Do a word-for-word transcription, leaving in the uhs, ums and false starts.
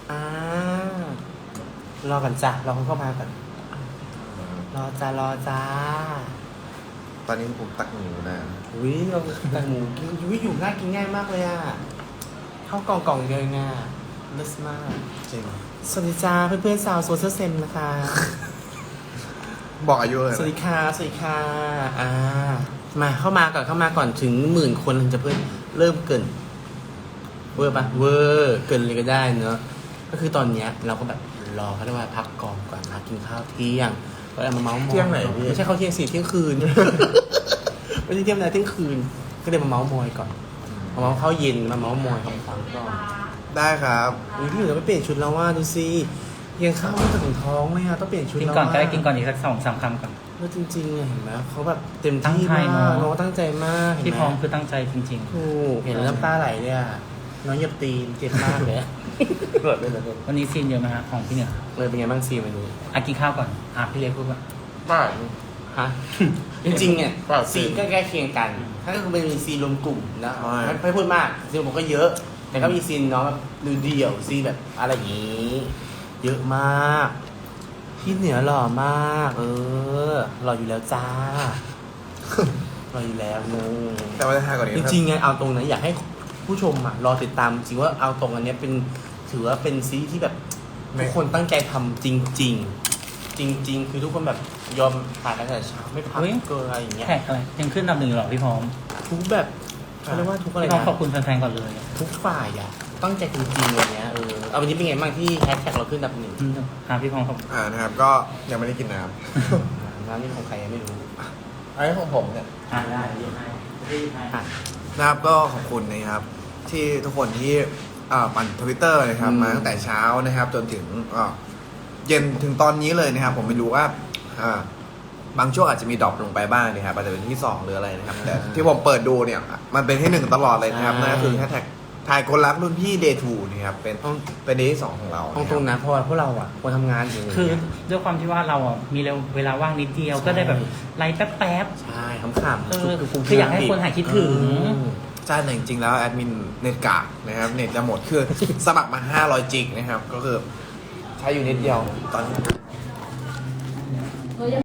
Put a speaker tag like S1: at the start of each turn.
S1: อ่ารอกันจ้ะรอคนเข้ามาก่อนรอจ้ารอจ้า
S2: ตอนนี้ผมตักหมูนะ
S1: อุ้ยเราแต่หมูกินอุ้ยอยู่ง่ายกินง่ายมากเลยอ่ะเข้ากล่องกล่องเดียวง่ายเลิศมาก
S2: จริง
S1: สวัสดีจ้าเพื่อนๆสาวโซเชียลเซนนะคะ
S2: บอกอายุเลย
S1: สวัสดีค่ะสวัสดีค่ะอ่ามาเข้ามาก่อนเข้ามาก่อนถึงหมื่นคนถึงจะเพิ่มเริ่มเกินเวอร์ปะเวอร์เกินเลยก็ได้เนอะก็คือตอนเนี้ยเราก็แบบรอเขาเรียกว่าพักกองก่อนมากินข้าวเที่ยงก็เลยมาเมาส์มอย
S2: เที่ยงไหนพี่
S1: ไม่ใช่ข้าวเที่ยงสี่เที่ยงคืน ไม่ใช่เที่ยงนะเที่ยงคืน ก็เลยมาเมาส์มอยก่อนมาเมาส์ข้าวเย็นมาเมาส์มอยของฟังก่อน
S2: ได้ครับ
S1: อุ้ยพี่เหนือไม่เปลี่ยนชุดแล้วว่าดูสิยังข้าวไม่ถึงท้องเลยอะต้องเปลี่ยนชุด
S3: กิน
S1: แล้ว
S3: ก่อนก็ได้
S1: ะ
S3: กินก่อนอีกสักสองสามคำก่อน
S1: แล้วจริงๆอะเห็นไหมเขาแบบเต็ม
S3: ตั้ง
S1: ที่
S3: ใจ
S1: มาก
S3: เนอะ
S1: น้องตั้งใจมากเห็น
S3: ที่
S1: ไหม
S3: พร้อมคือตั้งใจจริง
S1: ถูกเห็นแล้วน้ำตาไหลเลยอะน้องเหยียบตีนเจ็บมากเลยเกิดเลยเลย
S3: ๆ วันนี้ซีนเยอะไหมฮะของพี่เหนือ
S1: เลยเป็นไงบ้างซีวันนี้
S3: อ่ะกินข้าวก่อนอ่ะพี่เล็กพูดว่า
S2: บ้า
S1: ฮะ จริงๆเนี่ย
S2: เปล่า
S1: ซีนก็ใกล้เคียงกัน ถ้าก็คือเป็นซีนรวมกลุ่มนะ
S2: ใช่
S1: ไม่ไม่พูดมากซีนผมก็เยอะ แต่ก็มีซีนน้องแบบดูเดี่ยวซีนแบบอะไรอย่างนี้ เยอะมากพี่เหนือหล่อมาก เออหล่ออยู่แล้วจ้า หล่ออยู่แล้วงง
S2: แต่ว่าจะทายก่อนนี้
S1: จริงๆไงเอาตรงนะอยากให้ผู้ชมอ่ะรอติดตามจริงว่าเอาตรงอันเนี้ยเป็นถือว่าเป็นซีรีส์ที่แบบทุกคนตั้งใจทำจริง ๆ จริง ๆ คือทุกคนแบบยอมถ่ายตั้งแต่เช้าไม่พักเกินอะไรอย่างเงี้ย
S3: แท็กอะไรยังขึ้นอันดับหนึ่งหรอพี่พร้อม
S1: ทุกแบบเขาเรียกว่าทุกอะไร
S3: พี่พร้อม
S1: นะ
S3: ขอบคุณแฟนๆก่อนเลย
S1: ทุกฝ่ายอ่ะตั้งใจจริงๆอะไรเงี้ยเออเอาวันนี้เป็นไงบ้างที่แฮชแท็กเราขึ้นอันดับหนึ่ง
S3: อืมอ่ะพี่พร้อมขอบ
S2: อ่านะครับ ก็ยังไม่ได้กินน้
S1: ร้านนี้ของใครยังไม่รู้
S2: ำอันนี้ของผมเนี่ย
S3: อ่ะได้เรียกให้รีบให้
S1: อ่ะ
S2: นะครับก็ขอบคุณนะครับ ที่ทุกคนที่อ่าปั่นทวิตเตอร์นะครับ
S1: อืม
S2: มาตั้งแต่เช้านะครับ จนถึงอ่าเย็นถึงตอนนี้เลยนะครับ ผมไม่รู้ว่าอ่าบางช่วงอาจจะมีดรอปลงไปบ้างนะครับอาจจะเป็นที่สองหรืออะไรนะครับ แต่ที่ผมเปิดดูเนี่ย มันเป็นที่หนึ่งตลอดเลยนะครับนั่นก็คือแฮชแท็กทายคนรักรุ่นพี่เดย์ทูนะครับเป็นเป็นเดย์ที่สองของเรา
S1: ตรงตรงๆนะเพราะว่าพวกเราอ่ะคนทำงานอยู่
S3: คือด้วยความที่ว่าเราอ่ะมีเวลาว่างนิดเดียวก็ได้แบบไลฟ์แป๊บ
S1: ใช่ขำๆ
S3: เออคืออยากให้คนหายคิดถึง
S2: ใช่แต่จริงๆแล้วแอดมินเน็ตกากนะครับเน็ตจะหมดคือสมัครมาห้าร้อยจิกนะครับ ก็คือใช้อยู่นิดเดียวตอนนี้